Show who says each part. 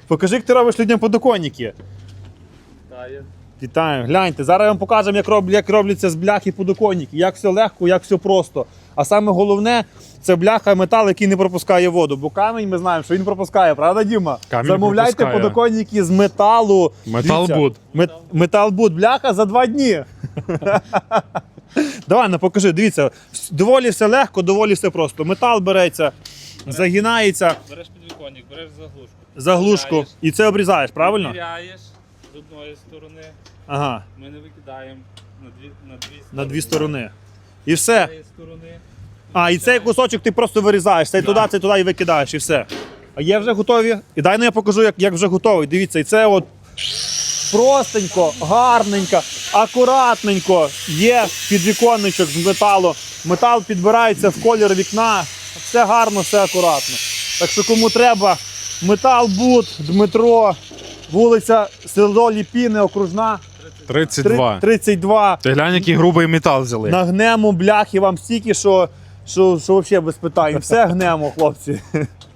Speaker 1: Покажи, як ти робиш людям подоконники. Вітаю, гляньте, зараз я вам покажемо, як робляться з бляхи подоконники, як все легко, як все просто. А саме головне, це бляха метал, який не пропускає воду, бо камінь ми знаємо, що він пропускає, правда, Діма?
Speaker 2: Камінь
Speaker 1: Замовляйте
Speaker 2: пропускає.
Speaker 1: подоконники з металу.
Speaker 2: Металбуд.
Speaker 1: Металбуд, бляха за 2 дні. Давай, ну покажи, дивіться, доволі все легко, доволі все просто. Метал береться, загинається,
Speaker 3: Береш підвіконник, береш
Speaker 1: заглушку і це обрізаєш, правильно?
Speaker 3: Виряєш з одної сторони,
Speaker 1: Ага,
Speaker 3: ми не викидаємо
Speaker 1: на 2 сторони. І все.
Speaker 3: З цієї сторони.
Speaker 1: А, і цей кусочок ти просто вирізаєш, цей туди і викидаєш, і все. А є вже готові? І дай я покажу, як вже готовий. Дивіться, і це от простенько, гарненько, акуратненько є підвіконничок з металу. Метал підбирається в колір вікна, все гарно, все акуратно. Так що кому треба, Металбуд, Дмитро, вулиця село Ліпіни, окружна,
Speaker 2: 32.
Speaker 1: 32.
Speaker 2: Ти глянь, який грубий метал взяли.
Speaker 1: Нагнемо бляхи вам стільки, що взагалі без питань. Все гнемо, хлопці.